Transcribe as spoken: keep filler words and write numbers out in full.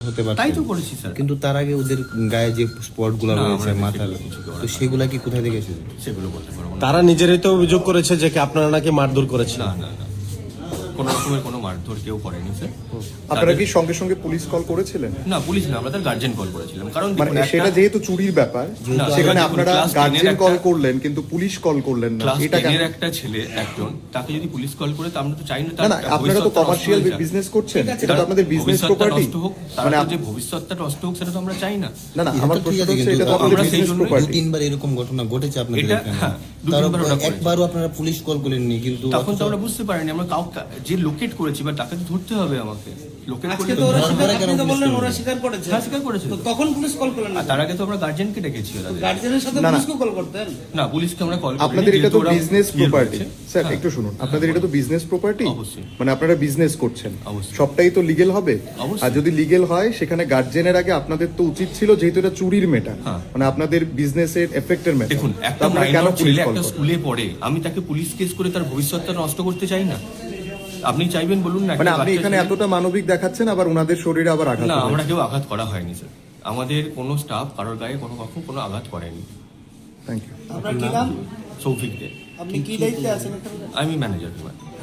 হতে পারে, তাই তো করেছি স্যার। কিন্তু তার আগে ওদের গায়ে যে স্পট গুলো না, রয়েছে আমরা মাথার, কিছু করা তো হয়। সেগুলা কি কোথা থেকে এসেছে? সেগুলো বলতে পারবো না। তারা নিজেরাই তো অভিযোগ করেছে যে কি আপনারা নাকি মারধর করেছেন। না না না কোনো রকমের কোনো মারধর কেউ করেনি স্যার। আপনারা কি সঙ্গে সঙ্গে পুলিশ কল করেছিলেন? না, পুলিশ না, আমরা তার গার্জেন কল করেছিলাম। কারণ মানে দেখুন, সেটা একটা- যেহেতু চুরির ব্যাপার, না, সেখানে দেখুন, আপনারা class ten এর গার্জেন একটা- কল করলেন কিন্তু পুলিশ কল করলেন না, ক্লাস এটা কেন? টেনের একটা ছেলে একজন, তাকে যদি পুলিশ কল করে তো আমরা তো চাই না না তার না, আপনারা তো ভবিষ্যৎটা নষ্ট কমার্শিয়াল হয়ে যাক। বিজনেস করছেন, এটা তার তো আপনাদের বিজনেস ভবিষ্যৎটা প্রপার্টি। নষ্ট হোক, তার মানে যে ভবিষ্যৎটা নষ্ট হোক সেটা তো আমরা চাই না। না না, এটা আমার তো ঠিক প্রশ্ন আছে, হচ্ছে কিন্তু এটা তো আমরা আপনাদের সেই বিজনেস জন্যই দু প্রপার্টি। তিনবার এরকম ঘটনা ঘটেছে আপনাদের এটা- এখানে, হ্যাঁ, দু তার তিনবার ওটা একবারও আপনারা পুলিশ কল করেননি, কিন্তু তখন তো আমরা বুঝতে পারিনি, আমরা কাউকে যে লোকেট করেছি বা তাকে তো ধরতে হবে আমাকে। লোকেট আজকে করে তো ওরা ধরা স্বীকার, কেন আপনি তো পুলিশ বললেন করবে? ওরা স্বীকার করেছে। হ্যাঁ, স্বীকার করেছে। তো তখন পুলিশ কল করলেন না? আর তার আগে তো আমরা গার্জেনকে ডেকেছি ওদের। গার্জেনের সাথে না, না। পুলিশকে কল করতেন? না, পুলিশকে আমরা কল করিনি, আপনাদের এটা যেহেতু তো ওরা বিজনেস ইয়ে প্রপার্টি করেছে। স্যার, হ্যাঁ। একটু শুনুন, আপনাদের এটা তো বিজনেস প্রপার্টি, অবশ্যই। মানে আপনারা বিজনেস করছেন, অবশ্যই। সবটাই তো লিগেল হবে। অবশ্যই। আর যদি লিগেল হয় সেখানে গার্জেনের আগে আপনাদের তো উচিত ছিল, যেহেতু এটা চুরির ম্যাটার, হ্যাঁ। মানে আপনাদের বিজনেসের এফেক্টের ম্যাটার, দেখুন, একটা আপনারা কেন মাইনর পুলিশ ছেলে কল একটা করেন? স্কুলে পড়ে, আমি তাকে পুলিশ কেস করে তার ভবিষ্যৎটা নষ্ট করতে চাই না। আপনি চাইবেন বলুন না? মানে একটা আপনি বাচ্চা এখানে ছেলে- এতটা মানবিক দেখাচ্ছেন, আবার ওনাদের শরীরে আবার আঘাত না, হয়েছে। আমরা কেউ আঘাত করা হয়নি স্যার। আমাদের কোনো স্টাফ কারোর গায়ে কোনো কখন কোনো আঘাত করেনি। Thank you. আপনার কি নাম? সৌফিক দে, আপনি কি দায়িত্বে আছেন এখানে? আমি ম্যানেজার।